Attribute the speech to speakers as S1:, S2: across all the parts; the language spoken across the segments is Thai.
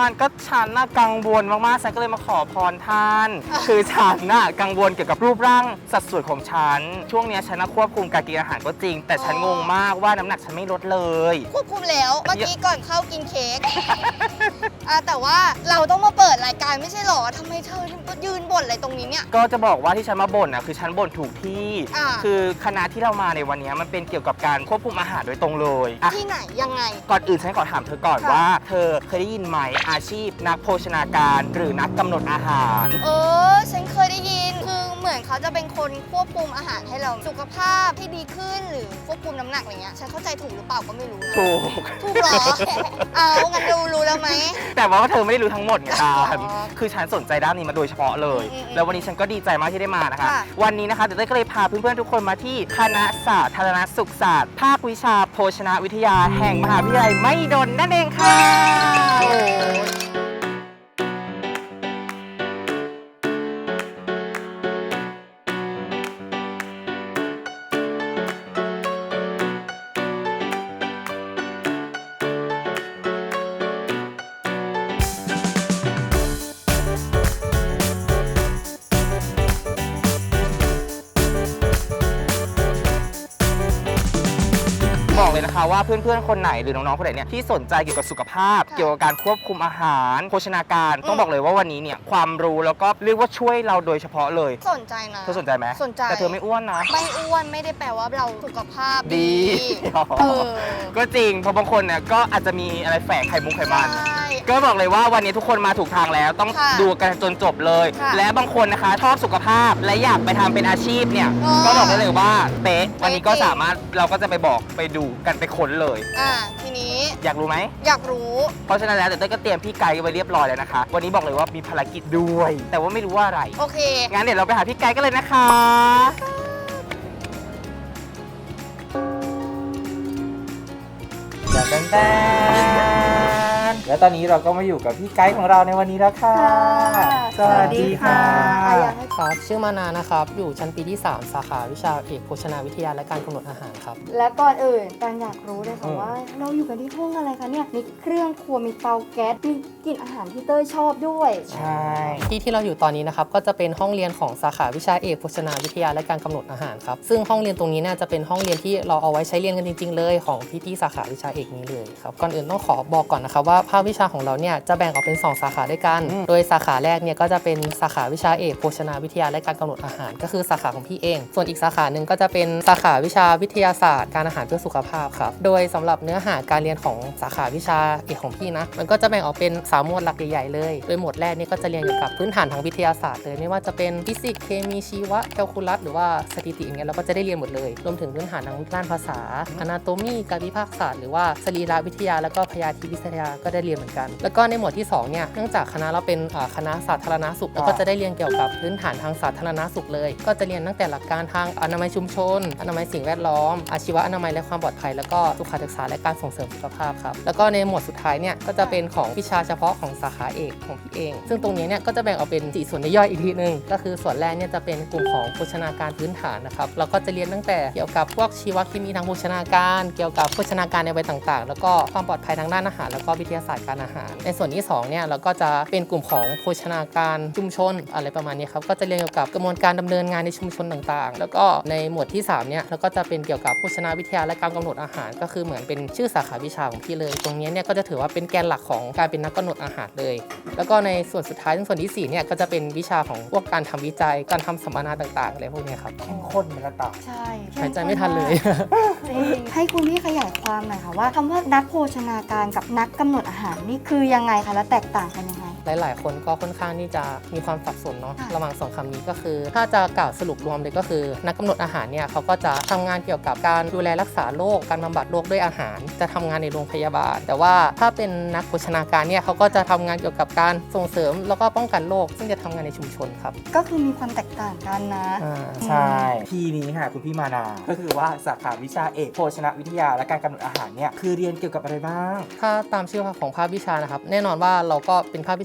S1: านก็ฉันน่ะกังวลมากๆฉันก็เลยมาขอพรท่าน คือฉันน่ะกังวลเกี่ยวกับรูปร่างสัดส่วนของฉันช่วงนี้ฉันน่ะควบคุมการกินอาหารก็จริง แต่ฉันงงมากว่าน้ำหนักฉันไม่ลดเลย
S2: ควบคุมแล้วเมื่อกี้ก่อนเข้ากินเค้ก แต่ว่าเราต้องมาเปิดรายการไม่ใช่หรอทำไมเธอถึงก็ยืนบ่นอะไรตรงนี้เนี่ย
S1: ก็จะบอกว่าที่ฉันมาบ่นคือฉันบ่นถูกที่ คือคณะที่เรามาในวันนี้มันเป็นเกี่ยวกับการควบคุมอาหารโดยตรงเลย
S2: ที่ไหนยังไง
S1: ก่อนอื่นฉันขอถามเธอก่อนว่าเธอเคยได้ยินไหมอาชีพนักโภชนาการหรือนักกำหนดอาหาร
S2: ฉันเคยได้ยินคือเหมือนเขาจะเป็นคนควบคุมอาหารให้เราสุขภาพที่ดีขึ้นหรือควบคุมน้ำหนักอะไรเงี้ยฉันเข้าใจถูกหรือเปล่าก็ไม่รู้นะถูกเหรอ งั้นรู้แล้วไหม
S1: แต่ว่าเธอไม่ได้รู้ทั้งหมดไงคือฉันสนใจด้านนี้มาโดยเฉพาะเลยแล้ววันนี้ฉันก็ดีใจมากที่ได้มานะคะวันนี้นะคะเดี๋ยวก็เลยพาเพื่อนๆทุกคนมาที่คณะสาธารณสุขศาสตร์ภาควิชาโภชนาวิทยาแห่งมหาวิทยาลัยมหิดลนั่นเองค่ะบอกเลยนะคะว่าเพื่อนๆคนไหนหรือน้องๆคนไหนเนี่ยที่สนใจเกี่ยวกับสุขภาพเกี่ยวกับการควบคุมอาหารโภชนาการต้องบอกเลยว่าวันนี้เนี่ยความรู้แล้วก็เรียกว่าช่วยเราโดยเฉพาะเลย
S2: สนใจนะ
S1: เธอสนใจไหม
S2: สนใจ
S1: แต่เธอไม่อ้วนนะ
S2: ไม่อ้วนไม่ได้แปลว่าเราสุขภาพดี
S1: ก็จริงเพราะบางคนเนี่ยก็อาจจะมีอะไรแฝงไข่มุกไขมันก็บอกเลยว่าวันนี้ทุกคนมาถูกทางแล้วต้องดูกันจนจบเลยและบางคนนะคะชอบสุขภาพและอยากไปทำเป็นอาชีพเนี่ยก็บอกได้เลยว่าเป๊ะวันนี้ก็สามารถเราก็จะไปบอกไปดูกันไปค้นเลย
S2: ทีนี้
S1: อยากรู้ไหม
S2: อยากรู้
S1: เพราะฉะนั้นแล้วเดี๋ยวเต้ยก็เตรียมพี่ไกด์ไว้เรียบร้อยแล้วนะคะวันนี้บอกเลยว่ามีภารกิจด้วยแต่ว่าไม่รู้ว่าอะไร
S2: โอเค
S1: งั้นเดี๋ยวเราไปหาพี่ไกด์กันเลยนะคะแดนแล้วตอนนี้เราก็มาอยู่กับพี่ไกด์ของเราในวันนี้แล้วค่ะสวัสดีค่ะ
S3: ครับชื่อมานานะครับอยู่ชั้นปีที่ 3 สาขาวิชาเอกโภชนาวิทยาและการกำหนดอาหารครับ
S4: และก่อนอื่นการอยากรู้เลยค่ะว่าเราอยู่กันที่ห้องอะไรคะเนี่ยมีเครื่องครัวมีเตาแก๊สมีกลิ่นอาหารที่เต้ยชอบด้วย
S1: ใช่
S3: ที่เราอยู่ตอนนี้นะครับก็จะเป็นห้องเรียนของสาขาวิชาเอกโภชนาวิทยาและการกำหนดอาหารครับซึ่งห้องเรียนตรงนี้เนี่ยจะเป็นห้องเรียนที่เราเอาไว้ใช้เรียนกันจริงๆเลยของพี่ๆสาขาวิชาเอกนี้เลยครับก่อนอื่นต้องขอบอกก่อนนะครับว่าภาควิชาของเราเนี่ยจะแบ่งออกเป็น2สาขาด้วยกันโดยสาขาแรกเนี่ยก็จะเป็นสาขาวิชาเอกโภชนาวิทยาและการกำหนดอาหารก็คือสาขาของพี่เองส่วนอีกสาขาหนึ่งก็จะเป็นสาขาวิชาวิทยาศาสตร์การอาหารเพื่อสุขภาพครับโดยสำหรับเนื้อหาการเรียนของสาขาวิชาเอกของพี่นะมันก็จะแบ่งออกเป็น3หมวดหลักใหญ่ๆเลยโดยหมวดแรกนี่ก็จะเรียนเกี่ยวกับพื้นฐานทางวิทยาศาสตร์เลยไม่ว่าจะเป็นฟิสิกส์เคมีชีวะแคลคูลัสหรือว่าสถิติอย่างเงี้ยเราก็จะได้เรียนหมดเลยรวมถึงพื้นฐานทางด้านภาษาอนาโตมีการวิพากษ์ศาสตร์หรือว่าสรีรวิทยาแล้วก็พยาธิวิทยาก็ได้เรียนเหมือนกันแล้วก็ในหมวดที่2เนี่ยเนื่องจากคณะเราเป็นคณะสาธารณสุขแล้วก็จะได้เรียนเกี่ยวกับพื้นฐานทางสาธารณสุขเลยก็จะเรียนตั้งแต่หลักการทางอนามัยชุมชนอนามัยสิ่งแวดล้อมอาชีวะอนามัยและความปลอดภัยแล้วก็สุขศึกษาและการส่งเสริมสุขภาพครับแล้วก็ในหมวดสุดท้ายเนี่ยก็จะเป็นของวิชาเฉพาะของสาขาเอกของพี่เองซึ่งตรงนี้เนี่ยก็จะแบ่งออกเป็น4ส่วนย่อยอีกทีนึงก็คือส่วนแรกเนี่ยจะเป็นกลุ่มของโภชนาการพื้นฐานนะครับเราก็จะเรียนตั้งแต่เกี่ยวกับพวกชีวเคมีทางโภชนาการเกี่ยวกับโภชนาการในวัยต่างๆแล้วก็ความปลอดภัยทางด้านอาหารแล้วก็วิทยาศาสตร์การอาหารในส่วนที่2เนี่ยเราก็จะเป็นกลุ่มของโภชนาการชุมชนอะไรประมาณนี้ครับก็จะเรียนเกี่ยวกับกระบวนการดำเนินงานในชุมชนต่างๆแล้วก็ในหมวดที่3เนี่ยเราก็จะเป็นเกี่ยวกับโภชนาวิทยาและการกำหนดอาหารก็คือเหมือนเป็นชื่อสาขาวิชาของพี่เลยตรงนี้เนี่ยก็จะถือว่าเป็นแกนหลักของการเป็นนักกำหนดอาหารเลยแล้วก็ในส่วนสุดท้ายส่วนที่4เนี่ยก็จะเป็นวิชาของพวกการทำวิจัยการทำสัมมนาต่างๆอะไรพวกนี้ครับ
S1: เข้มข้นเป็นระดับ
S4: ใช่
S3: หายใจไม่ทันเลย
S4: ให้คุณพี่ขยายความหน่อยค่ะว่าคำว่านักโภชนาการกับนักกำหนดอาหารนี่คือยังไงคะและแตกต่างกันยังไง
S3: หลายๆคนก็ค่อนข้างที่จะมีความสับสนเนาะระหว่าง2คำนี้ก็คือถ้าจะกล่าวสรุปรวมเลยก็คือนักกำหนดอาหารเนี่ยเขาก็จะทำงานเกี่ยวกับการดูแลรักษาโรคการบำบัดโรคด้วยอาหารจะทำงานในโรงพยาบาลแต่ว่าถ้าเป็นนักโภชนาการเนี่ยเขาก็จะทำงานเกี่ยวกับการส่งเสริมแล้วก็ป้องกันโรคซึ่งจะทำงานในชุมชนครับ
S4: ก็คือมีความแตกต่างกันนะ
S1: ใช่ทีนี้ค่ะคุณพี่มานาก็คือว่าสาขาวิชาเอกโภชนาวิทยาและการกำหนดอาหารเนี่ยคือเรียนเกี่ยวกับอะไรบ้าง
S3: ถ้าตามชื่อของภาควิชานะครับแน่นอนว่าเราก็เป็นภาควิชา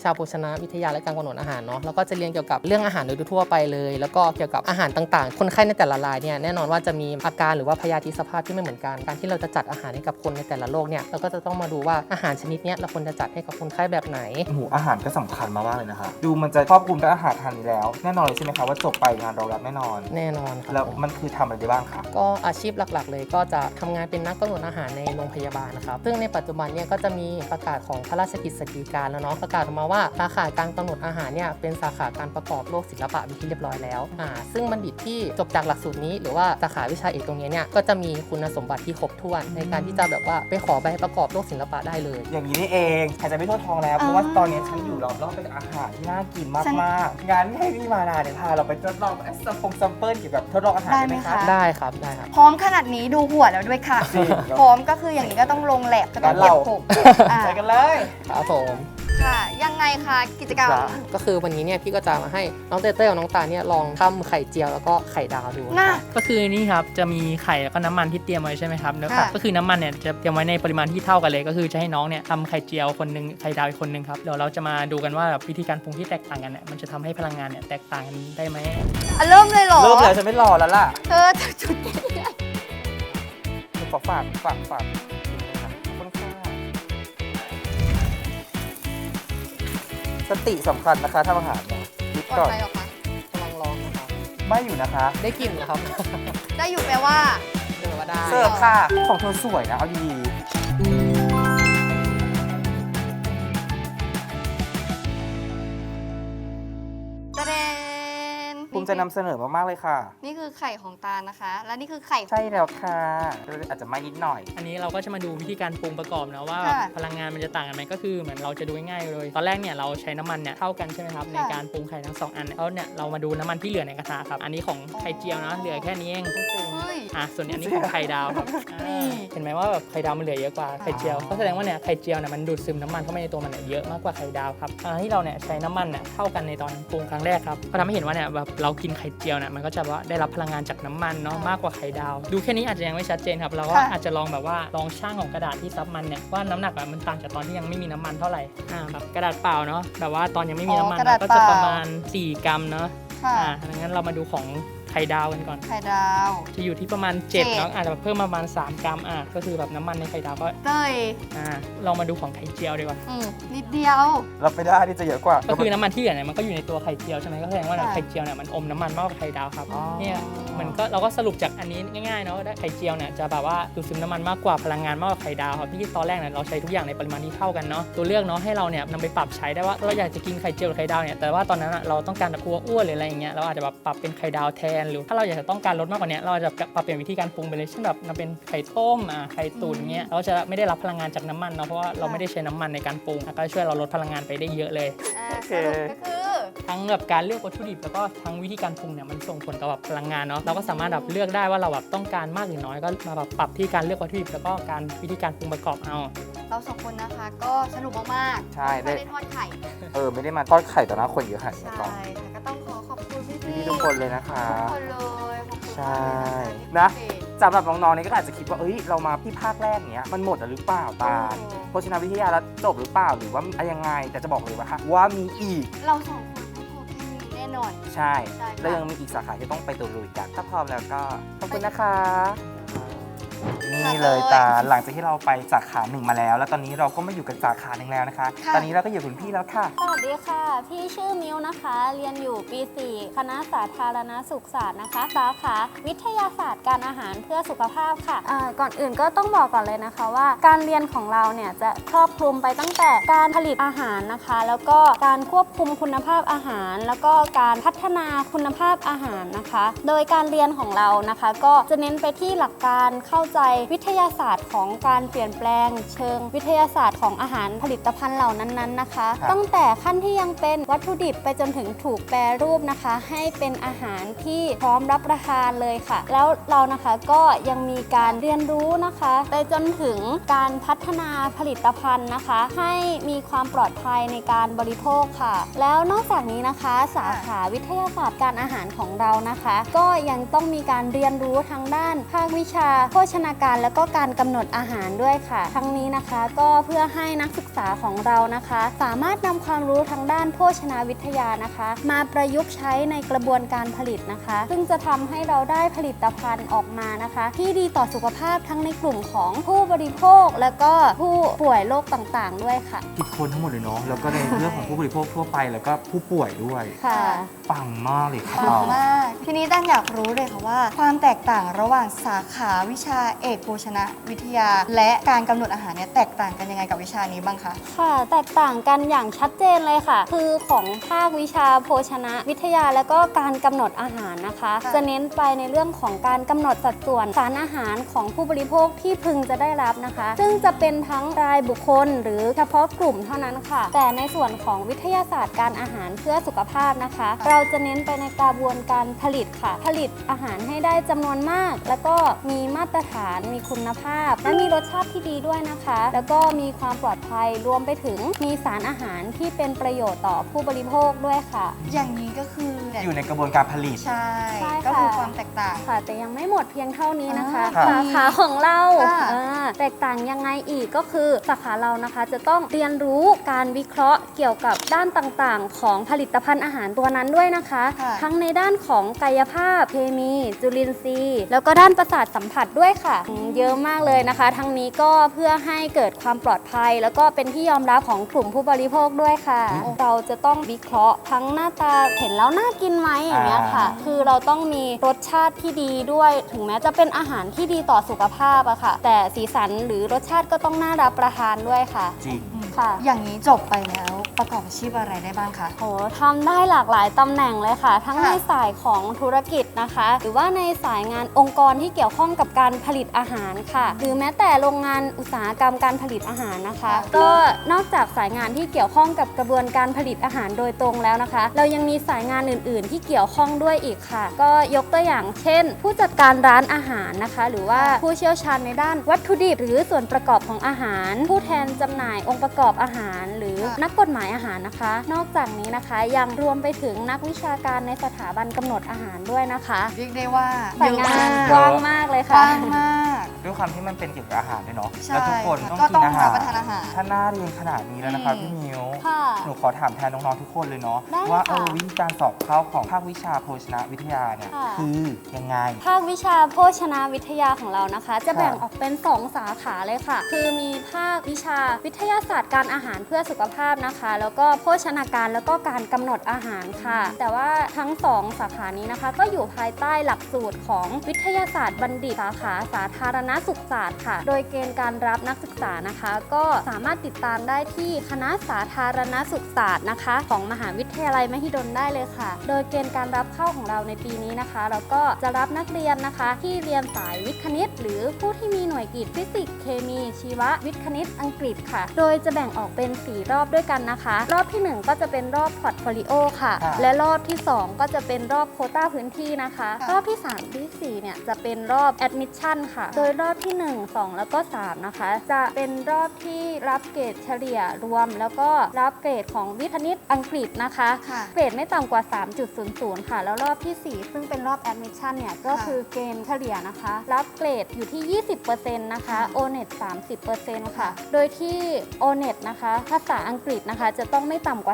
S3: าโภชนาวิทยาและการกำหนดอาหารเนาะแล้วก็จะเรียนเกี่ยวกับเรื่องอาหารโดยทั่วไปเลยแล้วก็เกี่ยวกับอาหารต่างๆคนไข้ในแต่ละรายเนี่ยแน่นอนว่าจะมีอาการหรือว่าพยาธิสภาพที่ไม่เหมือนกันการที่เราจะจัดอาหารให้กับคนในแต่ละโรคเนี่ยเราก็จะต้องมาดูว่าอาหารชนิดนี้เราควรจะจัดให้กับคนไข้แบบไหน
S1: อาหารก็สำคัญมากๆเลยนะคะดูมันจะครอบคลุมกับอาหารทานนี้แล้วแน่นอนเลยใช่ไหมคะว่าจบไปงานรองรับแน่นอน
S3: ครับ
S1: แล้วมันคือทำอะไรได้บ้างคะ
S3: ก็อาชีพหลักๆเลยก็จะทำงานเป็นนักกำหนดอาหารในโรงพยาบาลนะครับซึ่งในปัจจุบันเนี่ยก็จะมีประกาศของพระราชกฤษฎีกาแล้วเนาะประกาศออกมาว่าสาขาการกำหนดอาหารเนี่ยเป็นสาขาการประกอบโรคศิลปะเป็นที่เรียบร้อยแล้วซึ่งบัณฑิตที่จบจากหลักสูตรนี้หรือว่าสาขาวิชาเอกตรงนี้เนี่ยก็จะมีคุณสมบัติที่ครบถ้วนในการที่จะแบบว่าไปขอใบประกอบโรคศิลปะได้เลย
S1: อย่างนี้นี่เองหายใจไม่ทั่วท้องแล้วเพราะว่าตอนนี้ฉันอยู่รอบๆเป็นอาหารที่น่ากินมากๆงั้นให้พี่มานาเนี่ยพาเราไปทดลองซัมเปิลเกี่ยวกับทดลองอาหารได้ไหมคะ
S3: ได้ครับได้ครับ
S4: พร้อมขนาดนี้ดูหัวแล้วด้วยค่ะพร้อมก็คืออย่างนี้ก็ต้องลงแลบก็ต้องเก็บผม
S1: ไปกันเลย
S3: ครับผม
S2: ค่ะยังไงคะกิจกรรม
S3: ก็คือวันนี้เนี่ยพี่ก็จะมาให้น้องเต้เต้กับน้องตาเนี่ยลองทำไข่เจียวแล้วก็ไข่ดาวดู
S5: ก็คือนี่ครับจะมีไข่แล้วก็น้ำมันที่เตรียมไว้ใช่ไหมครับแล้วก็คือน้ำมันเนี่ยจะเตรียมไว้ในปริมาณที่เท่ากันเลยก็คือจะให้น้องเนี่ยทำไข่เจียวคนนึงไข่ดาวอีกคนนึงครับเดี๋ยวเราจะมาดูกันว่าวิธีการปรุงที่แตกต่างกันเนี่ยมันจะทำให้พลังงานเนี่ยแตกต่างกันได้ไหม
S2: เริ่มเลยเหรอ
S1: เริ่มเลยฉันไม่รอแล้วล่ะ
S2: เธอจุด
S1: ขอฝากสติสำคัญนะคะทำอาหารเนี่ยคิดก่อน
S2: ไปหรอคะ
S3: กำลังร้องนะคะ
S1: ไม่อยู่นะคะ
S3: ได้กลิ่นนะครับ
S2: ได้อยู่แปลว่า
S3: ได้
S1: เสิร์ฟค่ะของเธอสวยนะเอาดีภูมิใจนำเสนอมากๆเลยค่ะ
S2: นี่คือไข่ของตานะคะและนี่คือไข่
S1: ใช่แล้วค่ะอาจจะไม่นิดหน่อย
S5: อันนี้เราก็จะมาดูวิธีการปรุงประกอบนะว่าพลังงานมันจะต่างกันไหมก็คือเหมือนเราจะดูง่ายๆเลยตอนแรกเนี่ยเราใช้น้ำมันเนี่ยเท่ากันใช่ไหมครับในการปรุงไข่ทั้ง2อันแล้วเนี่ยเรามาดูน้ำมันที่เหลือในกระทะครับอันนี้ของไข่เจียวนะเหลือแค่นี้เองส่วนอันนี้ของไข่ดาวครับเห็นไหมว่าแบบไข่ดาวมันเหลือเยอะกว่าไข่เจียวก็แสดงว่าเนี่ยไข่เจียวเนี่ยมันดูดซึมน้ำมันเข้าไปในตัวมันเยอะมากกว่าไข่ดาวครับที่เราเนี่ยใช้น้ำมันเนี่ยเท่ากันในตอนปรุงครั้งแรกครับก็ทำให้เห็นว่าเนี่ยแบบเรากินไข่เจียวเนี่ยมันก็จะว่าได้รับพลังงานจากน้ำมันเนาะมากกว่าไข่ดาวดูแค่นี้อาจจะยังไม่ชัดเจนครับเราก็อาจจะลองแบบว่าลองช่างของกระดาษที่ซับมันเนี่ยว่าน้ำหนักมันต่างจากตอนที่ยังไม่มีน้ำมันเท่าไหร่แบบกระดาษเปล่าเนาะแบบว่าตอนยังไม่มีน้ำมันก็จะประมาณ4 กรัมเนาะดังนั้นเรามาดูของไข่ดาวกันก่อน
S2: ไข่ดาว
S5: จะอยู่ที่ประมาณ7เนาะอาจจะเพิ่มประมาณ3 กรัมก็คือแบบน้ำมันในไข่ดาวก็ลองมาดูของไข่เจียวดีกว่า
S2: นิดเดียว
S1: รับไม่ได้ที่จะเยอะกว่า
S5: ก็คือน้ำมันที่เหลือเนี่ยมันก็อยู่ในตัวไข่เจียวใช่ไหมก็แสดงว่าไข่เจียวเนี่ยมันอมน้ำมันมากกว่าไข่ดาวครับเนี่ยมันก็เราก็สรุปจากอันนี้ง่ายๆเนาะไข่เจียวเนี่ยจะแบบว่าดูดซึมน้ำมันมากกว่าพลังงานมากกว่าไข่ดาวครับที่ตอนแรกเนี่ยเราใช้ทุกอย่างในปริมาณที่เท่ากันเนาะตัวเลือกเนาะให้เราเนี่ยนำไปปรับใช้ได้ว่าเราอยากจะกินไข่เจียวหรือไข่ดาวเนี่ยแต่ว่าตอนนั้นเราต้องการแบบกลัวอ้วนหรืออะไรอย่างเงี้ยเราอาจจะแบบปรับเป็นไข่ดาวแทนหรือถ้าเราอยากจะต้องการลดมากกว่านี้เราจะปรับเปลี่ยนวิธีการปรุงไปเลยเช่นแบบนำเป็นไข่ต้มไข่ตุ๋นเงี้ยเราจะไม่ได้รับพลังงานจากน้ำมันเนาะเพราะว่าเราไม่ได้ใช้น้ำมันในการปรุงก็ช่วยเราลดพลังงานไปได้เยอะเลย
S2: สรุปก็คือ
S5: ทั้งแบบการเลือกวัตถุดิบแล้วก็ทั้งวิธีการปรุงเนี่ยมันส่งผลกับแบบพลังงานเนาะเราก็สามารถแบบเลือกได้ว่าเราแบบต้องการมากหรือน้อยก็มาแบบปรับที่การเลือกวัตถุดิบแล้วก็การวิธีการปรุงประกอบเอา
S2: เรา2 คนนะคะก็สนุกมาก
S1: ๆใช่
S2: ไม่ได้ทอดไข่
S1: ไม่ได้มาทอดไข่ต่อหน้าคนเยอะขนาดนี้
S2: ก่อนก็ต้องขอบคุณพี่
S1: ทุกคนเลยนะคะ
S2: ทุกคนเลย
S1: ใช่นะสำหรับน้องๆนี่ก็อาจจะคิดว่าเรามาที่ภาคแรกเนี้ยมันหมดหรือเปล่าตาโภชนาวิทยาแล้วจบหรือเปล่าหรือว่ายังไงแต่จะบอกเลยว่ามีอีก
S2: เรา2 คนไม่พอแค่นี้แน่นอน
S1: ใช่แล้วยังมีอีกสาขาที่ต้องไปตะลุยกันถ้าพร้อมแล้วก็ขอบคุณนะคะนี่เลยตาหลังจากที่เราไปสาขา1มาแล้วแล้วตอนนี้เราก็มาอยู่กันสาขา1แล้วนะคะตอนนี้เราก็อยู่กับพี่แล้วค่ะ
S6: สวัสดีค่ะพี่ชื่อมิวนะคะเรียนอยู่ปี 4 คณะสาธารณสุขศาสตร์นะคะสาขาวิทยาศาสตร์การอาหารเพื่อสุขภาพค่ะก่อนอื่นก็ต้องบอกก่อนเลยนะคะว่าการเรียนของเราเนี่ยจะครอบคลุมไปตั้งแต่การผลิตอาหารนะคะแล้วก็การควบคุมคุณภาพอาหารแล้วก็การพัฒนาคุณภาพอาหารนะคะโดยการเรียนของเรานะคะก็จะเน้นไปที่หลักการเข้าใจวิทยาศาสตร์ของการเปลี่ยนแปลงเชิงวิทยาศาสตร์ของอาหารผลิตภัณฑ์เหล่านั้นๆนะคะตั้งแต่ขั้นที่ยังเป็นวัตถุดิบไปจนถึงถูกแปรรูปนะคะให้เป็นอาหารที่พร้อมรับประทานเลยค่ะแล้วเรานะคะก็ยังมีการเรียนรู้นะคะไปจนถึงการพัฒนาผลิตภัณฑ์นะคะให้มีความปลอดภัยในการบริโภคค่ะแล้วนอกจากนี้นะคะสาขาวิทยาศาสตร์การอาหารของเรานะคะก็ยังต้องมีการเรียนรู้ทางด้านภาควิชาโภชนาการและก็การกำหนดอาหารด้วยค่ะ ทั้งนี้นะคะก็เพื่อให้นักศึกษาของเรานะคะ สามารถนำความรู้ทางด้านโภชนาวิทยานะคะ มาประยุกต์ใช้ในกระบวนการผลิตนะคะ ซึ่งจะทำให้เราได้ผลิตภัณฑ์ออกมานะคะ ที่ดีต่อสุขภาพทั้งในกลุ่มของผู้บริโภคและก็ผู้ป่วยโรคต่างๆด้วยค่ะ
S1: คิดคนทั้งหมดเลยเนาะแล้วก็ในเรื่องของผู้บริโภคทั่วไปแล้วก็ผู้ป่วยด้วย
S6: ค่ะ
S1: ปังมากเลยค่ะ
S2: ปังมาก ทีนี้ตั้งอยากรู้เลยค่ะว่า ความแตกต่างระหว่างสาขาวิชาเอกโภชนาวิทยา และการกำหนดอาหารเนี่ยแตกต่างกันยังไงกับวิชานี้บ้างคะ
S6: ค่ะแตกต่างกันอย่างชัดเจนเลยค่ะ คือของภาควิชาโภชนะวิทยาและก็การกำหนดอาหารนะคะ
S2: ค่ะ
S6: จะเน้นไปในเรื่องของการกำหนดสัดส่วนสารอาหารของผู้บริโภคที่พึงจะได้รับนะคะ ซึ่งจะเป็นทั้งรายบุคคลหรือเฉพาะกลุ่มเท่านั้นค่ะ แต่ในส่วนของวิทยาศาสตร์การอาหารเพื่อสุขภาพนะคะ เราจะเน้นไปในกระบวนการผลิตค่ะ ผลิตอาหารให้ได้จำนวนมาก แล้วก็มีมาตรฐานมีคุณภาพ และมีรสชาติที่ดีด้วยนะคะ แล้วก็มีความปลอดภัยรวมไปถึงมีสารอาหารที่เป็นประโยชน์ต่อผู้บริโภคด้วยค่ะ
S2: อย่างนี้ก็คือ
S1: อยู่ในกระบวนการผลิต
S2: ใช่
S6: ใช่ค่ะ
S2: ก็คือความแตกต่าง
S6: ค่ะแต่ยังไม่หมดเพียงเท่านี้นะคะ
S1: ค่ะ
S6: สาขาของเรา
S2: ค่ะ
S6: แตกต่างยังไงอีกก็คือสาขาเรานะคะจะต้องเรียนรู้การวิเคราะห์เกี่ยวกับด้านต่างๆ ของผลิตภัณฑ์อาหารตัวนั้นด้วยนะคะ
S2: ค่ะ
S6: ทั้งในด้านของกายภาพเคมี จุลินทรีย์ แล้วก็ด้านประสาทสัมผัสด้วยค่ะเยอะมากเลยนะคะ ทั้งนี้ก็เพื่อให้เกิดความปลอดภัย แล้วก็เป็นที่ยอมรับของกลุ่มผู้บริโภคด้วยค่ะ เราจะต้องวิเคราะห์ทั้งหน้าตาเห็นแล้วน่ากินไหมอย่างเงี้ยค่ะ คือเราต้องมีรสชาติที่ดีด้วย ถึงแม้จะเป็นอาหารที่ดีต่อสุขภาพอะค่ะ แต่สีสันหรือรสชาติก็ต้องน่ารับประทานด้วยค่ะ
S1: จริง
S6: ค่ะ
S2: อย่างนี้จบไปแล้วประกอบอาชีพอะไรได้บ้างคะ
S6: โหทำได้หลากหลายตำแหน่งเลยค่ะ ทั้ง
S2: ค่ะ
S6: ในสายของธุรกิจนะคะ หรือว่าในสายงานองค์กรที่เกี่ยวข้องกับการผลิตอาหารค่ะ หรือแม้แต่โรงงานอุตสาหกรรมการผลิตอาหารนะคะ ก็นอกจากสายงานที่เกี่ยวข้องกับกระบวนการผลิตอาหารโดยตรงแล้วนะคะ เรายังมีสายงานอื่น ๆ ที่เกี่ยวข้องด้วยอีกค่ะ ก็ยกตัวอย่างเช่น ผู้จัดการร้านอาหารนะคะ หรือว่าผู้เชี่ยวชาญในด้านวัตถุดิบหรือส่วนประกอบของอาหาร ผู้แทนจำหน่ายองค์ประกอบอาหาร หรือนักกฎหมายอาหารนะคะ นอกจากนี้นะคะยังรวมไปถึงนักวิชาการในสถาบันกำหนดอาหารด้วยนะคะ
S2: เรียกได้ว่า
S6: สายงาน
S2: เย
S6: ก
S2: อะ
S6: ว้างมากเลย
S2: ก
S6: ค่ะ
S2: ว้างมาก
S1: ด้วยความที่มันเป็นเกี่ยวกับอาหารด้วยเนาะ
S2: ใช่
S1: แล้วทุกคน
S2: ค่ะ
S1: ต้อง
S2: ก็
S1: กิ
S2: ต้อน ง
S1: อาหาร
S2: รับประทานอาหาร
S1: ถ้าน่าเรียนขนาดนี้แล้วนะครับพี่มิว
S6: ค่ะ
S1: หนูขอถามแทนน้องๆทุกคนเลยเนาะ
S6: ได้เลย
S1: ว่า
S6: ค่ะ
S1: วิธีการสอบเข้าของภาควิชาโภชนาวิทยาเนี่ย
S6: ค่ะ
S1: คือยังไง
S6: ภาควิชาโภชนาวิทยาของเรานะคะ จะแบ่งออกเป็น 2 สาขาเลยค่ะ คือมีภาควิชาวิทยาศาสตร์การอาหารเพื่อสุขภาพนะคะ แล้วก็โภชนาการแล้วก็การกำหนดอาหารค่ะ แต่ว่าทั้ง 2 สาขานี้นะคะ ก็อยู่ภายใต้หลักสูตรของวิทยาศาสตร์บัณฑิตสาขาสาธารณสุขศาสตร์ค่ะ โดยเกณฑ์การรับนักศึกษานะคะ ก็สามารถติดตามได้ที่คณะสาธารณสุขศาสตร์นะคะ ของมหาวิทยาลัยมหิดลได้เลยค่ะ โดยเกณฑ์การรับเข้าของเราในปีนี้นะคะ เราก็จะรับนักเรียนนะคะ ที่เรียนสายวิทย์คณิต หรือผู้ที่มีหน่วยกิตฟิสิกส์เคมีชีววิทย์คณิตอังกฤษค่ะ โดยจะแบ่งออกเป็น 4 รอบด้วยกันนะคะ รอบที่ 1 ก็จะเป็นรอบพอร์ตโฟลิโอค่ะ
S1: ค่ะ
S6: และรอบที่ 2 ก็จะเป็นรอบโควต้าพื้นที่นะคะ รอบที่ 3 ที่ 4 เนี่ยจะเป็นรอบแอดมิชชั่นค่ะ โดยรอบที่ 1 2 แล้วก็ 3 นะคะ จะเป็นรอบที่รับเกรดเฉลี่ยรวม แล้วก็รับเกรดของวิทย์คณิตอังกฤษนะคะ
S2: ค่ะ
S6: เกรดไม่ต่ำกว่า 3.00 ค่ะ แล้วรอบที่ 4 ซึ่งเป็นรอบแอดมิชชั่นเนี่ยก็คือเกณฑ์เฉลี่ยนะคะ รับเกรดอยู่ที่ 20% นะคะ O-NET 30% ค่ะ โดยที่ O-NET นะคะภาษาอังกฤษนะคะ จะต้องไม่ต่ำกว่า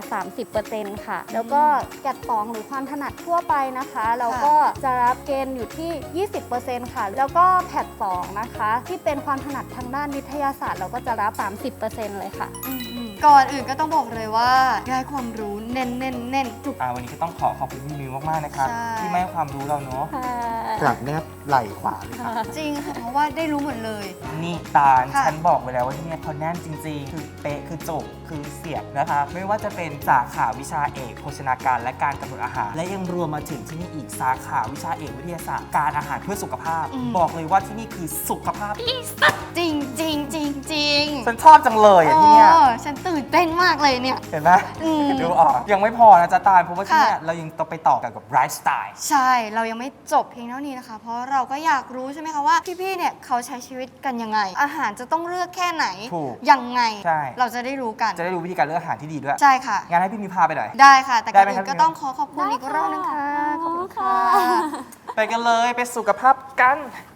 S6: 30% ค่ะ แล้วก็แกด2หรือความถนัดทั่วไปนะคะ เราก็จะรับเกณฑ์อยู่ที่ 20% ค่ะ แล้วก็แพท2นะคะ ที่เป็นความถนัดทางด้านวิทยาศาสตร์ เราก็จะรับ 30% เลยค่ะ
S2: ก่อนอื่นก็ต้องบอกเลยว่าได้ความรู้เน้นจุก
S1: วันนี้ก็ต้องขอบคุณพี่มิวมากๆนะครับ
S2: ใช่
S1: ที่มาให้ความรู้เราเนาะกลับแนบไหล่ขวาเลยค่ะ
S2: จริงค่ะเพราะว่าได้รู้หมดเลย
S1: นี่ตาล
S2: ค่ะ
S1: ฉันบอกไว้แล้วว่าที่เนี่ยเขาแน่นจริงๆ คือเป๊ะคือจบคือเสียบนะคะ ไม่ว่าจะเป็นสาขาวิชาเอกโภชนาการและการกำหนดอาหาร และยังรวมมาถึงที่นี่อีกสาขาวิชาเอกวิทยาศาสตร์การอาหารเพื่อสุขภาพ บอกเลยว่าที่นี่คือสุขภาพที่
S2: จริงจริงจริงจริง
S1: ฉันชอบจังเลยอ่ะที่เนี่ย
S2: ฉันตื่นเต้นมากเลยเนี่ย
S1: เห็นไหม
S2: อืม
S1: ดูออกยังไม่พอนะจ๊ะตาลเพราะว่าที่เนี่ย
S2: ค่ะ
S1: เรายังต้องไปต่อกันกับไลฟ์สไตล์
S2: ใช่ เรายังไม่จบเพียงเท่านี้นะคะ เพราะเราก็อยากรู้ใช่ไหมคะว่าพี่ๆ เนี่ยเขาใช้ชีวิตกันยังไง อาหารจะต้องเลือกแค่ไหน
S1: ถูก
S2: ยังไง
S1: ใช่
S2: เราจะได้รู้กัน
S1: จะได้รู้วิธีการเลือกอาหารที่ดีด้วย
S2: ใช่ค่ะ
S1: งั้นให้พี่มีพาไปหน่อย
S2: ได้ค่ะ แต่ก่อน
S1: ได้ไหม
S2: อื่
S1: ครับ
S2: นก็ต้องขอบคุณอีกรอบนึงค่ะ ขอบคุณค่ะ
S1: ไปกันเลยไปสุขภาพกัน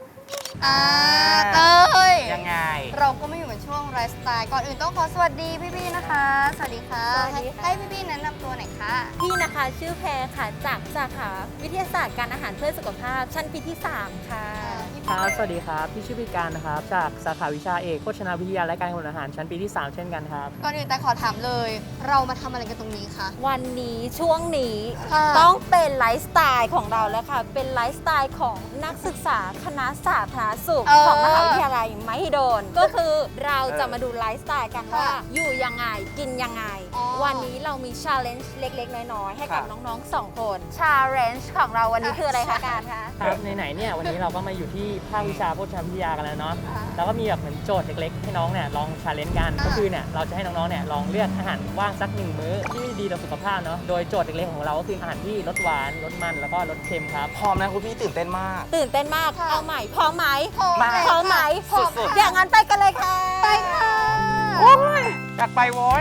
S2: เต้ย
S1: ยังไง
S2: เราก็ไม่อยู่เหมือนช่วงไลฟ์สไตล์ก่อนอื่นต้องขอสวัสดีพี่ๆนะคะ สวัสดีค่ะ
S6: สวัสดีค่ะ
S2: ให้พี่ๆแนะนำตัวหน่อยค่ะ
S7: พี่นะคะชื่อแพรค่ะจากสาขาวิทยาศาสตร์การอาหารเพื่อสุขภาพชั้นปีที่ 3 ค่ะ
S5: ครับ สวัสดีครับ พี่ชื่อพิการนะครับ จากสาขาวิชาเอกโภชนาวิทยาและการกำหนดอาหารชั้นปีที่ 3 เช่นกันครับ
S2: ก่อนอื่นแต่ขอถามเลย เรามาทำอะไรกันตรงนี้คะ
S7: วันนี้ช่วงนี้
S2: ค่ะ
S7: ต้องเป็นไลฟ์สไตล์ของเราแล้วค่ะ เป็นไลฟ์สไตล์ของนักศึกษาคณะสาธารณสุขของมหาวิทยาลัยมหิดลก็คือเราจะมาดูไลฟ์สไตล์กันว่า อยู่ยังไงกินยังไง วันนี้เรามีชาเลนจ์เล็กๆ น้อยๆ ให้กับน้องๆ 2 คนชาเลนจ์ของเราวันนี้คืออะไรคะการคะ
S5: ครับไหนๆเนี่ยวันนี้เราก็มาอยู่ที่ภาควิชาโภชนาวิทยากันแล้วเนาะแล้วก็มีแบบเหมือนโจทย์เล็กๆให้น้องเนี่ยลองชาเลนจ์กันก็คือเนี่ยเราจะให้น้องๆเนี่ยลองเลือกอาหารว่างสัก1 มื้อที่ดีต่อสุขภาพเนาะโดยโจทย์เล็กๆของเราก็คืออาหารที่ลดหวานลดมันแล้วก็ลดเค็มครับ
S1: พร้อมนะคุณพี่ตื่นเต้นมาก
S7: ตื่นเต้นมากเอาใหม่พร้อมไหม
S1: มา
S7: พร้อมไหม
S1: สุดๆ
S7: อย่างนั้นไปกันเลยค่ะ
S2: ไปค่ะ
S1: อยากไปโว้ย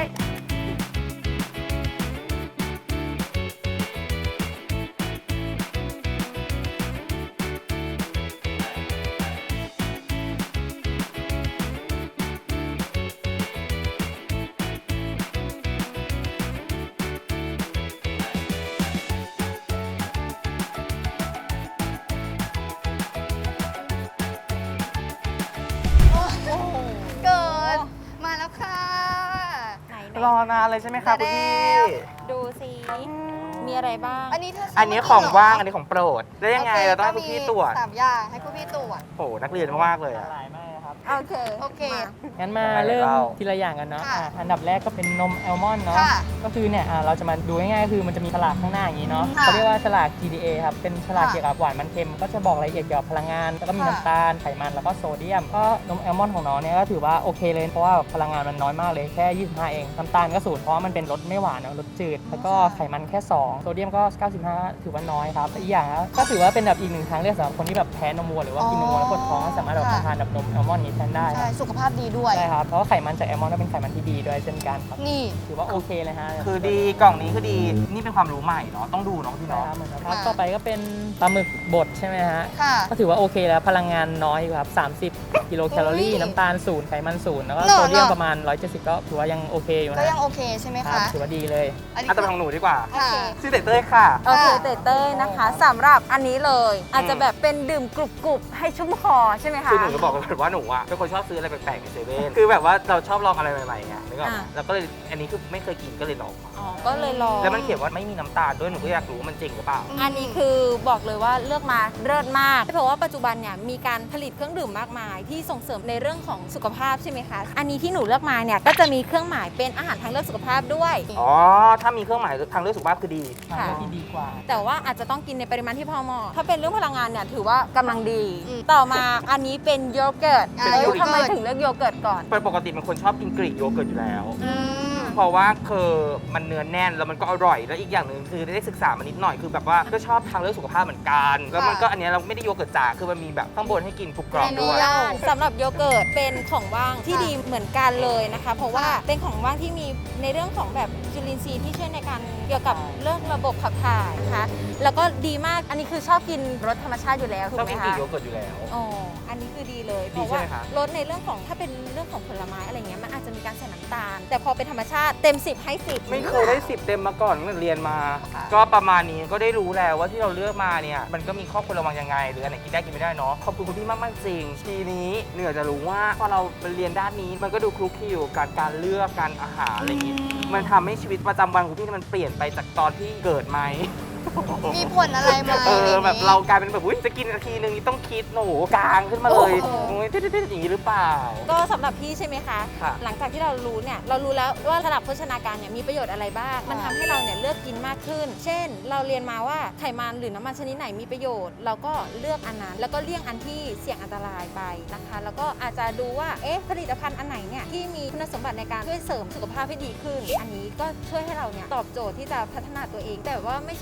S2: เกิดมาแล้วค่ะ
S7: ไหน
S1: รอนานเลยใช่ไหมครับคุณพี่
S7: ดูสิ มีอะไรบ้าง
S2: อันนี้เธอ
S1: อันนี้ของว่างอันนี้ของโปรดแล้วยังไงเราต้องให้คุณพี่ตรวจ
S2: 3 อย่างให้คุณพี่ตรวจ
S1: โอ้โหนักเรียนมากเลยอะ
S5: หลายมากครับ
S7: โอเค
S2: โอเค
S5: งั้นมา
S1: ไปเลย
S5: เริ่ม
S1: เรา
S5: ทีละอย่างกันเนาะ
S2: ค่ะ
S5: อันดับแรกก็เป็นนมแอลมอนด์เนาะ
S2: ค่ะ
S5: ก็คือเนี่ยเราจะมาดูง่ายๆคือมันจะมีฉลากข้างหน้าอย่างนี้เนาะ
S2: ค่ะ
S5: เขาเรียกว่าฉลาก GDA ครับเป็นฉลาก
S2: ค่ะ
S5: เกี่ยวกับหวานมันเค็มก็จะบอกรายละเอียดเกี่ยวกับพลังงาน แล้วก็มี
S2: ค่ะ
S5: น้ำตาลไขมันแล้วก็โซเดียมก็นมแอลมอนด์ของน้องเนี่ยก็ถือว่าโอเคเลยเพราะว่าพลังงานมันน้อยมากเลยแค่ 25 เองน้ำตาลก็0เพราะว่ามันเป็นรสไม่หวานเนาะรสจืดแล้วก็ไขมันแค่ 2 โซเดียมก็ 95 ถือว่าน้อยครับอีกอย่างก็ถือว่าเป็นแบบอีกหนึ่งทางเลือกสำหรับคนที่แบบแพ้นมวัวหรือว่ากินนมวัวแล้วปวดท้องก็สามารถแบบ
S2: ค่ะ
S5: ทานแบบนมแอลมอนด์นี้แทนได้ค
S2: ใช่
S5: รับ
S2: สุขภาพดีด้วย
S5: ใช่ครับเพราะว่าไขมันจากแอลมอนด์ก็เป็นไขมันที่ดีด้วยเช่นกันครับ
S2: นี่
S5: ถือว่าโอเคเลยฮะ
S1: คือดีกล่องนี้คือดีนี่เป็นความรู้ใหม่เนาะต้องดูเนาะพี่
S5: ใช่
S1: เนาะ
S5: ครับเหมือนกันครับ
S2: ค่ะ
S5: ต่อไปก็เป็นปลาหมึกบดใช่ไหมฮะ
S2: ค่ะ
S5: ก็ถือว่าโอเคแล้วพลังงานน้อยอยู่ครับ30 กิโลแคลอรี่
S2: อุ้ย
S5: น้ำตาล0ไขมัน0แล้วก็
S2: เนอะ
S5: โซเดียม
S2: เนอะ
S5: ประมาณ 170 ก็ถือว่ายังโอเคอยู่
S2: ก็
S5: นะ
S2: ยังโอเคใช่ไหม
S5: ครั
S2: คะ
S5: บถือว่าดีเลย
S2: อันนี้
S1: อ่ะแต่เป็นของหนูดีกว่า
S2: ค่ะ
S1: ชื่อเต้ยค่ะ
S7: โอเคเต้ยนะคะสำหรับอันนี้เลย อาจจะแบบเป็นดื่มกรุบๆ ให้ชุ่มคอใช่ไหมคะ
S1: คือหนูจะบอกเลยว่าหนูอะเป็นคนชอบซื้ออะไรแปลกๆในเซเว่นคือแบบว่าเราชอบลองอะไรใหม่ๆไงนึกออกไหม
S7: อ่ะ
S1: แล้วก็เลยอันนี้คือไม่เคยกินก็เลยลอง
S7: อ๋อก็เลยลอง
S1: แล้วมันเขียนว่าไม่มีน้ำตาลด้วยหนูก็อยากรู้ว่ามันจริงหรือเปล่า
S7: อันนี้คือบอกเลยว่าเลือกมาเลิศมาก เพราะว่าปัจจุบันเนี่ยมีการผลิตเครื่องดื่มมากมาย ที่ส่งเสริมในเรื่องของสุขภาพใช่ไหมคะ อันนี้ที่หนูเลือกมาเนี่ยก็จะมีเครื่องหมายเป็นอาหารทางเลือกสุขภาพด้วย
S1: อ๋อ ถ้ามีเครื่องหมายทางเลือกสุขภาพคือดี
S5: ทางเลือกที่ดีกว่า
S7: แต่ว่าอาจจะต้องกินในปริมาณที่พอเหมาะถ้าเป็นเรื่องพลังงานเนี่ยถือว่ากำลังดี
S2: อืม
S7: ต่อมาอันนี้เป็นโยเกิร์ต
S2: เป็น
S7: เอ้ย
S2: โยเกิร์ต
S7: ทำไมถึงเลือกโยเกิร์ตก่อน
S1: ปกติเป็นคนชอบกินกรีกโยเกิร์ตอยู่แล้ว
S2: อืม
S1: เพราะว่าคือมันเนื้อแน่นแล้วมันก็อร่อยแล้วอีกอย่างหนึ่งคือได้ศึกษามานิดหน่อยคือแบบว่าก็ชอบทางเลือกสุขภาพเหมือนกันแล้วมันก็อันเนี้ยเราไม่ได้โยเกิร์ตจ๋าคือมันมีแบบข้างบนให้กินกรุบกรอบด้วย
S7: สำหรับโยเกิร์ตเป็นของว่างที่ดีเหมือนกันเลยนะคะ เพราะว่าเป็นของว่างที่มีในเรื่องของแบบจุลินทรีย์ที่ช่วยในการเกี่ยวกับเรื่องระบบขับถ่ายนะคะแล้วก็ดีมากอันนี้คือชอบกินรสธรรมชาติอยู่แล้วถู
S1: ช
S7: ก
S1: อบ
S7: ไหม
S1: กินกรี
S7: คะ
S1: กโยเกิร์ตอยู่แล้ว
S7: อ๋ออันนี้คือดีเลยเพ
S1: ดี
S7: ราะ
S1: ใช่
S7: ว่า
S1: ไหมคะ
S7: รสในเรื่องของถ้าเป็นเรื่องของผลไม้อะไรเงี้ยมันอาจจะมีการใส่น้ำตาล แต่พอเป็นธรรมชาติเต็ม 10 ให้ 10
S1: ไม่เคยได้ 10 เต็มมาก่อนตั้งแต่เรียนมา ก็ประมาณนี้ก็ได้รู้แล้วว่าที่เราเลือกมาเนี่ยมันก็มีข้อควรระวังยังไง หรืออันไหนกินได้กินไม่ได้เนาะขอบคุณคุณพี่มากๆจริงทีนี้เหนือจะรู้ว่าพอเราเรียนด้านนี้มันก็ดูคลุกคลิวกับการเลือกการอาหารอะไรอย่างงี้มันทำให้ชีวิตประจำวันของพี่มันเปลี่ยนไปจากตอนที่เกิดไหม
S2: มีผลอะไรไหม
S1: แบบเรากลายเป็นแบบอุ๊ยจะกินนาทีนึงนี่ต้องคิดโอ้โหกลางขึ้นมาเลย
S2: โอ้โห
S1: โอ้ยติ๊ดๆอย่างนี้หรือเปล่า
S7: ก็สำหรับพี่ใช่ไหมคะ
S1: ค่ะ
S7: หลังจากที่เรารู้เนี่ยเรารู้แล้วว่าระดับโภชนาการเนี่ยมีประโยชน์อะไรบ้าง มันทำให้เราเนี่ยเลือกกินมากขึ้น เช่น เราเรียนมาว่าไขมันหรือน้ำมันชนิดไหนมีประโยชน์ เราก็เลือกอันนั้น แล้วก็เลี่ยงอันที่เสี่ยงอันตรายไปนะคะ แล้วก็อาจจะดูว่าเอ๊ะผลิตภัณฑ์อันไหนเนี่ยที่มีคุณสมบัติในการช่วยเสริมสุขภาพให้ดีขึ้น อันนี้ก็ช่วยให้เราเนี่ยตอบโจทย์ที่จะพัฒนาตัวเอง แต่ว่าไม่เชิงลดน้ำหนัก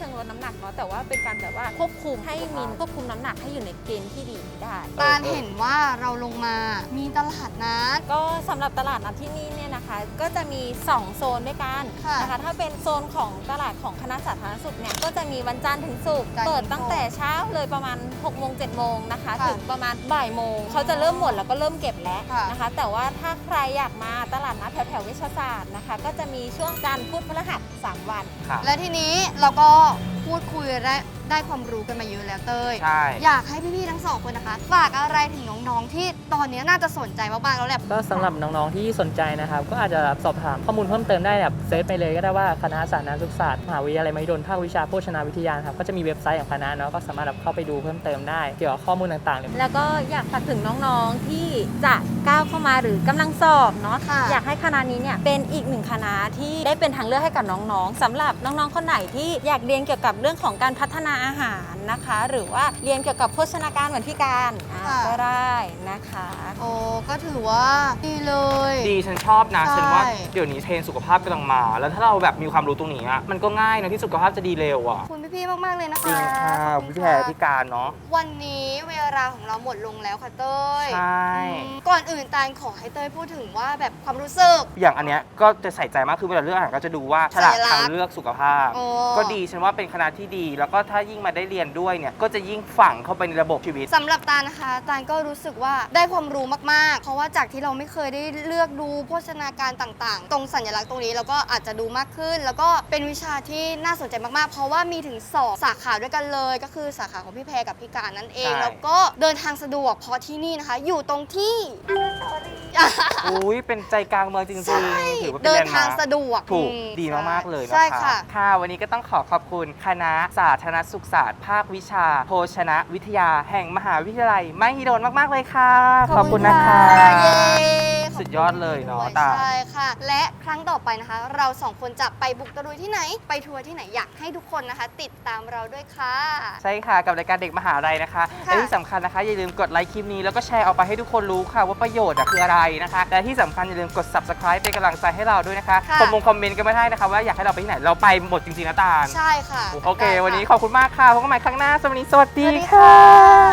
S7: หนักเนาะแต่ว่าเป็นการแบบว่าควบคุมให้มินควบคุมน้ำหนักให้อยู่ในเกณฑ์ที่ดีได้
S2: ตาลเห็นว่าเราลงมามีตลาดนัด
S7: ก็สำหรับตลาดนัดที่นี่เนี่ยนะคะก็จะมี2โซนด้วยกัน
S2: ค่ะ
S7: นะคะถ้าเป็นโซนของตลาดของคณะสาธารณสุขเนี่ยก็จะมีวันจันทร์ถึงศุกร์
S2: จันทร์ถึงศุกร์
S7: เปิดตั้งแต่เช้าเลยประมาณ6 โมง 7 โมงนะคะ
S2: ค่ะ
S7: ถึงประมาณบ่ายโมงเขาจะเริ่มหมดแล้วก็เริ่มเก็บแล้ว
S2: ค่ะ
S7: นะคะ แต่ว่าถ้าใครอยากมาตลาดนัดแถวๆเวชศาสตร์นะคะก็จะมีช่วงจันทร์พุธพฤหัส3 วัน
S1: ค่ะ
S2: และทีนี้เราก็พูดคุยได้ความรู้กันมาเยอะแล้วเต้ย
S1: ใช่
S2: อยากให้พี่ๆทั้งสองคนนะคะ ฝากอะไรถึงน้องๆที่ตอนนี้น่าจะสนใจมากๆแล้วแหละ
S5: ก็สำหรับน้องๆที่สนใจนะครับ ก็อาจจะสอบถามข้อมูลเพิ่มเติมได้แบบเซิร์ชไปเลยก็ได้ว่าคณะสาธารณสุขศาสตร์มหาวิทยาลัยมหิดลภาควิชาโภชนาวิทยาครับก็จะมีเว็บไซต์ของคณะเนาะก็สามารถเข้าไปดูเพิ่มเติมได้เกี่ยวกับข้อมูลต่างๆเลย
S7: แล้วก็อยากฝากถึงน้องๆที่จะก้าวเข้ามาหรือกำลังสอบเนาะ
S2: ค่ะ
S7: อยากให้คณะนี้เนี่ยเป็นอีกหนึ่งคณะที่ได้เป็นทางเลือกให้กับน้องๆสำหรับน้องๆคนไหนที่อยากเรียนเกี่ยวกับเรื่องของการพัฒนาอาหารนะคะ หรือว่าเรียนเกี่ยวกับโภชนาการเหมือนพี่การก็ได้นะคะ
S2: โอ้ก็ถือว่าดีเลย
S1: ดีฉันชอบนะ
S2: ใช่
S1: ฉันว่าเดี๋ยวนี้เทรนด์สุขภาพกำลังมา แล้วถ้าเราแบบมีความรู้ตรงนี้อะมันก็ง่ายนะที่สุขภาพจะดีเร็วอ่ะ
S2: ขอบคุณพี่ๆมากๆเลยนะคะ
S1: จริงค่ะ
S2: ขอบณ
S1: พี่แพรพี่การเนาะ
S2: วันนี้เวลาของเราหมดลงแล้วค่ะเต้ย
S1: ใช่
S2: ก่อนอื่นตาลขอให้เต้ยพูดถึงว่าแบบความรู้สึก
S1: อย่างอันเนี้ยก็จะใส่ใจมากคือเวลาเลือกอาหารก็จะดูว่าฉลาก
S2: สัญลักษณ์
S1: ทางเลือกสุขภาพ
S2: โอ้
S1: ก็ดีฉันว่าเป็นคณะที่ดี แล้วก็ถ้ายิ่งมาได้เรียนด้วยเนี่ยก็จะยิ่งฝังเข้าไปในระบบชีวิต
S2: สำหรับตาลนะคะตาลก็รู้สึกว่าได้ความรู้มากๆ เพราะว่าจากที่เราไม่เคยได้เลือกดูโภชนาการต่างๆ ตรงสัญลักษณ์ตรงนี้เราก็อาจจะดูมากขึ้น แล้วก็เป็นวิชาที่น่าสนใจมากๆ เพราะว่ามีถึง2สาขาด้วยกันเลย ก็คือสาขาของพี่แพรกับพี่การนั่นเอง
S1: ใช่
S2: แล้วก็เดินทางสะดวกเพราะที่นี่นะคะ อยู่ตรงที่
S1: อุ้ยเป็นใจกลางเมืองจริง
S2: ใช่
S1: ๆถือว่าเป็น
S2: เดิ
S1: แล
S2: น
S1: นด์
S2: ทาง
S1: มาร์ค
S2: สะดวก
S1: ถูก
S2: อืม
S1: ดีมากๆเลยนะ
S2: ใช่
S1: คะ
S2: ค่ะ
S1: ค่ะวันนี้ก็ต้องขอบคุณคณะสาธารณสุขศาสตร์ภาควิชาโภชนะวิทยาแห่งมหาวิทยาลัยมหิดลมากๆเลยค่ะขอบคุณนะคะ
S2: เย้
S1: สุดยอดเลยเนาะตา
S2: ใช่ค่ะ และครั้งต่อไปนะคะ เราสองคนจะไปบุกตะลุยที่ไหน ไปทัวร์ที่ไหนอยากให้ทุกคนนะคะ ติดตามเราด้วยค่ะ
S1: ใช่ค่ะกับรายการเด็กมหาลัยนะคะ
S2: ค่ะ
S1: และที่สำคัญนะคะอย่าลืมกดไลค์คลิปนี้แล้วก็แชร์ออกไปให้ทุกคนรู้ค่ะว่าประโยชน์คืออะไรนะคะและที่สำคัญอย่าลืมกด subscribe เป็นกำลังใจให้เราด้วยนะคะ
S2: ค่ะ
S1: คอมเมนต์กันไม่ได้นะคะว่าอยากให้เราไปที่ไหนเราไปหมดจริงๆนะตาล
S2: ใช่ค่ะ
S1: โอเค
S2: ได้ะ
S1: วันนี้ขอบคุณมากค่ะพบกันใหม่ครั้งหน้าสวัสดี
S2: สวัสดี
S1: ค่ะ
S2: ค่ะ